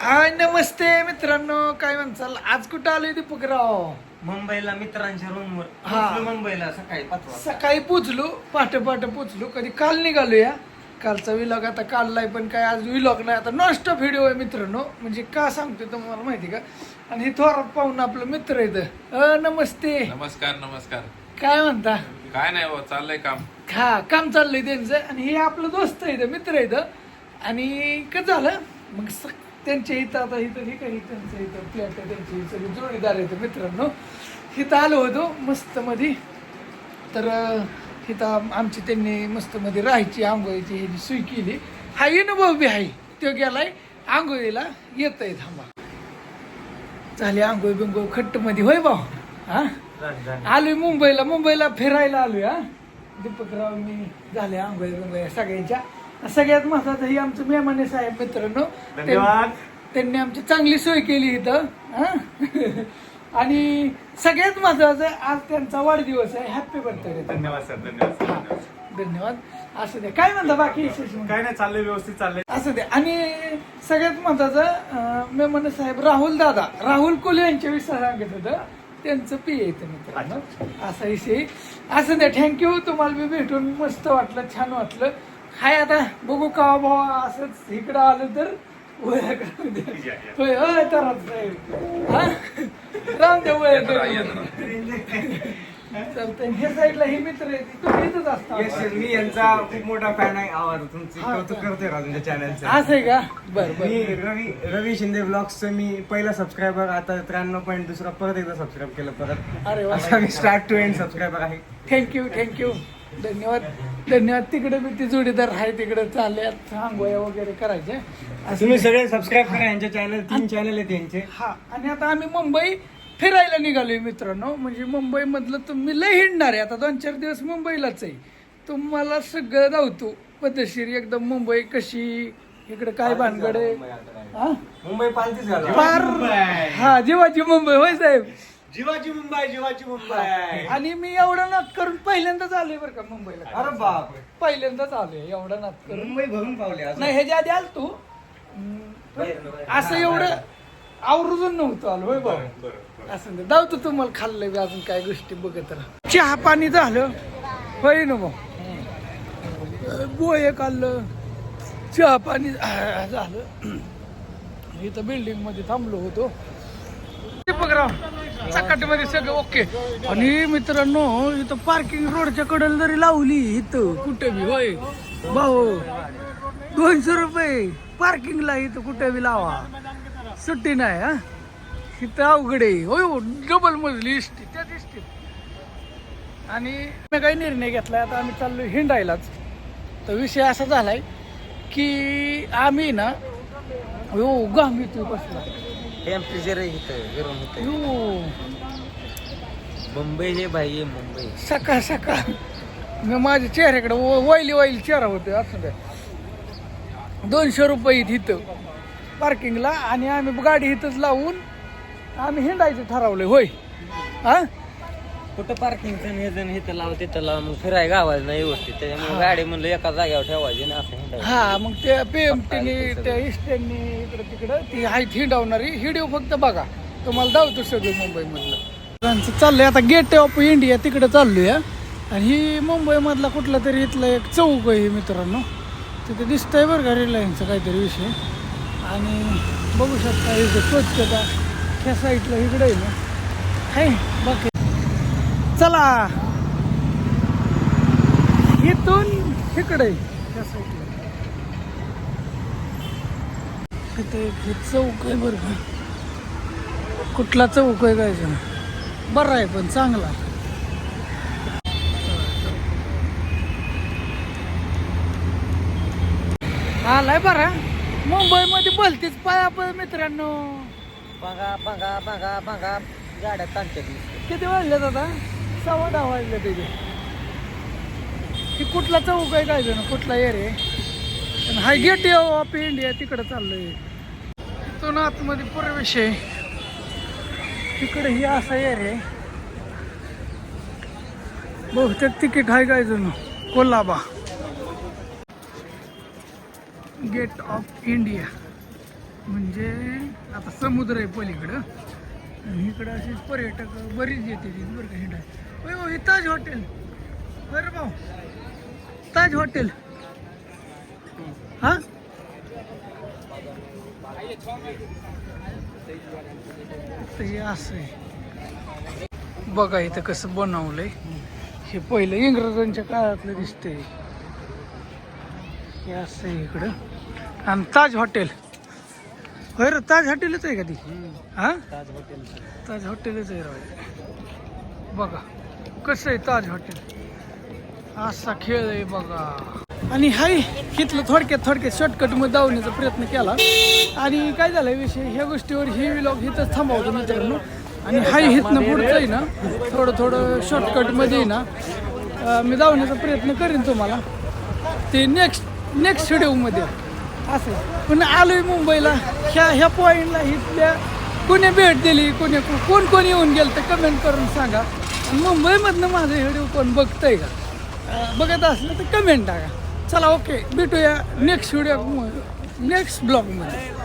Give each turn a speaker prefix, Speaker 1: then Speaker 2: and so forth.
Speaker 1: हाय नमस्ते मित्रांनो, काय म्हणचाल? आज कुठं आलोय दीपकराव?
Speaker 2: मुंबईला मित्रांच्या रूमवर.
Speaker 1: हा.
Speaker 2: मुंबईला सकाळी 5 वाजता.
Speaker 1: सकाळी पोचलो, पहाटे पोचलो. कधी काल निघालो या. कालचा विलॉग आता काढलाय, पण काय आज विलॉग नाही, आता नॉनस्टॉप व्हिडिओ आहे मित्रांनो. म्हणजे का सांगतोय तुम्हाला माहिती का? आणि हे थोरात पाहून आपलं मित्र येतं. नमस्ते.
Speaker 3: नमस्कार नमस्कार.
Speaker 1: काय म्हणता?
Speaker 3: काय नाही हो, चाललंय काम.
Speaker 1: हा, काम चाललंय त्यांचं. आणि हे आपलं दोस्त येतं, मित्र येतं. आणि कसं झालं मग त्यांच्या इथं आता इथं हे काही त्यांचं इथं फ्लॅट आहे, त्यांची सगळी जोडीदार येतं मित्रांनो. इथं आलो होतो मस्त मध्ये. तर इथं आमची त्यांनी मस्त मध्ये राहायची आंघोळीची ह्याची सोय केली. हा अनुभव बी आहे, तो गेलाय आंघोळीला, येत आहे. थांबा, झाली आंघोळ बिंगोळ खट्ट मध्ये. होय भाऊ? हा, आलोय मुंबईला फिरायला आलोय. हा, दीपकराव मी झाले आंघोळ बिंगोळ सगळ्यांच्या. सगळ्यात महत्वाचं ही आमचं मेहमाने साहेब मित्रांनो, त्यांनी आमची चांगली सोय केली इथं. आणि सगळ्यात महत्वाचं आज त्यांचा वाढदिवस आहे. Happy birthday.
Speaker 2: धन्यवाद सर, धन्यवाद.
Speaker 1: धन्यवाद. असं दे, काय म्हणता बाकी?
Speaker 2: काय नाही, चाललंय व्यवस्थित चाललंय.
Speaker 1: असं दे. आणि सगळ्यात महत्वाचं मेहमान साहेब राहुल कोले यांच्या विषयी सांगत होतं, त्यांचं पी येतं मित्रांनो. असा विषय. असं द्या, थँक्यू. तुम्हाला मी भेटून मस्त वाटलं, छान वाटलं. हाय, आता बघू का भावा असंच इकडं आलं तर होय होय तर राम देव चालतंय. हे साईडला ही मित्र आहे, तुम्ही इथंच असता.
Speaker 2: मी यांचा खूप मोठा फॅन आहे. आवाज तुमची कौतुक करतोय का तुमच्या चॅनलचं?
Speaker 1: असं आहे का? बरं
Speaker 2: मी रवी शिंदे ब्लॉग्सचं मी पहिला सबस्क्रायबर, आता 93.2 परत एकदा सबस्क्राईब केलं परत.
Speaker 1: अरे वा,
Speaker 2: आता मी स्टार्ट टू एंड सबस्क्रायबर आहे.
Speaker 1: थँक्यू. धन्यवाद. तिकडे मी ती जोडीदार आहे, तिकडे चालल्यात आंघोळ्या वगैरे करायचे.
Speaker 2: तुम्ही सगळे सबस्क्राईब करा यांच्या चॅनल. 3 चॅनल आहेत यांचे.
Speaker 1: हा, आणि आता आम्ही मुंबई फिरायला निघालोय मित्रांनो. म्हणजे मुंबई मधलं तुम्ही लय हिंडणार आहे. आता 2-4 दिवस मुंबईलाच आहे. तुम्हाला सगळं धावतो पद्धतशीर एकदम. मुंबई कशी, इकडे काय भानगड आहे. हा,
Speaker 2: मुंबई पालतीच झालं.
Speaker 1: फार. हा, जीवाची मुंबई. होय साहेब?
Speaker 2: जीवाची मुंबई.
Speaker 1: आणि मी एवढा नाद करून पहिल्यांदाच आलोय बरं का मुंबईला.
Speaker 2: अरे बाप,
Speaker 1: पहिल्यांदाच आलोय एवढा नाद करून.
Speaker 2: मुंबई भरून पावले.
Speaker 1: नाही, ह्याच्या आधी आल तू असं एवढं आवर्जून नव्हतं आलो. होय भाऊ? असं धावतो. तुम्हाला खाल्लंय बी अजून काय गोष्टी बघत राहा. चहा पाणी झालं. होय ना भाऊ? बोय खाल्लं, चहा पाणी झालं. इथं बिल्डिंग मध्ये थांबलो होतो. मध्ये सगळं ओके. आणि मित्रांनो, इथं पार्किंग रोडच्या कडेला जरी लावली इथं कुठे बी, होय भाऊ, 200 रुपये पार्किंगला. इथं कुठे बी लावा, सुट्टी नाही. हा, इथं अवघड आहे. होय, डबल मजली इष्टी, त्याच इष्टीत. आणि मी काही निर्णय घेतलाय, आता आम्ही चाललो हिंडायलाच. तर विषय असा झालाय की आम्ही ना, हो गाम येतोय बसला.
Speaker 2: टेम्परेचर गरम होतं. मुंबई हे भाई, मुंबई
Speaker 1: सकाळ मी माझ्या चेहऱ्याकडे वाईली चेहरा होते. असं काय 200 रुपये इथं पार्किंगला. आणि आम्ही गाडी इथंच लावून आम्ही हिंडायचं ठरवलंय. होय? हा,
Speaker 2: कुठं पार्किंगचं हे तर लाव, तिथं लाव, मग फिराय गावायला नाही व्यवस्थित. त्याच्यामुळे गाडी म्हणलं एका जागेवर ठेवायची ना, असं.
Speaker 1: हा, मग त्या PMTने त्या इस्टेननी इकडं तिकडं ती हाय हिंडावणारी. व्हिडिओ फक्त बघा, तुम्हाला धावतो सगळं मुंबईमधलं. चाललंय आता गेट ऑफ इंडिया तिकडे चाललोय. आणि ही मुंबई मधला कुठला तरी इथला एक चौक आहे मित्रांनो. तिथे दिसतंय बरं का रिलायन्सचा काहीतरी विषय. आणि बघू शकता इथं स्वच्छता ह्या साईडला इकडे आहे ना. हाय बाकी. चला, इथून इकडे ह्या साईडला तिथे एक चौक आहे बरं का. कुठला चौक आहे काय जण, बरं आहे पण चांगला. आलाय बरा. मुंबईमध्ये बोलतेच पायापळ मित्रांनो.
Speaker 2: बघा गाड्या ताणतात.
Speaker 1: किती वाजल्यात आता? 10:15 वाजले. तिथे ही कुठला चौक आहे काय जण, कुठला एरिया आहे. हाय गेट ऑफ इंडिया तिकडे चाललोय. इथून आतमध्ये प्रवेश आहे. तिकडे ही असा एरिया आहे. बहुतेक तिकीट आहे काय जण, कोल्हाबा. Gate of India. म्हणजे आता समुद्र आहे पलीकडं आणि इकडं असे पर्यटक बरीच येते तिथे बरं का हिंडा. होय हो, हे ताज हॉटेल. बरं भाऊ, ताज हॉटेल. हा तर हे असं आहे बघा इथं कसं बनवलंय. हे पहिलं इंग्रजांच्या काळातलं दिसतंय. हे असं आहे इकडं. आणि ताज हॉटेल. होय रे, ताज हॉटेलच आहे का ती? हा ताज हॉटेलच आहे राव. बघा कसं आहे ताज हॉटेल. असा खेळ आहे बघा. आणि हाय इथलं थोडक्यात शॉर्टकटमध्ये धावण्याचा प्रयत्न केला. आणि काय झालं विषय ह्या गोष्टीवर ही व्लॉग इथंच थांबवतो मित्रांनो. आणि हाय इथनं पुढचं आहे ना थोडं शॉर्टकटमध्ये ना मी धावण्याचा प्रयत्न करीन तुम्हाला ते नेक्स्ट व्हिडिओमध्ये असं. पण आलोय मुंबईला ह्या पॉईंटला इथल्या कोणी भेट दिली कोण येऊन गेलं तर कमेंट करून सांगा. मुंबईमधनं माझं व्हिडिओ कोण बघतंय का बघत असलं तर कमेंट टाका. चला ओके भेटूया नेक्स्ट ब्लॉगमध्ये.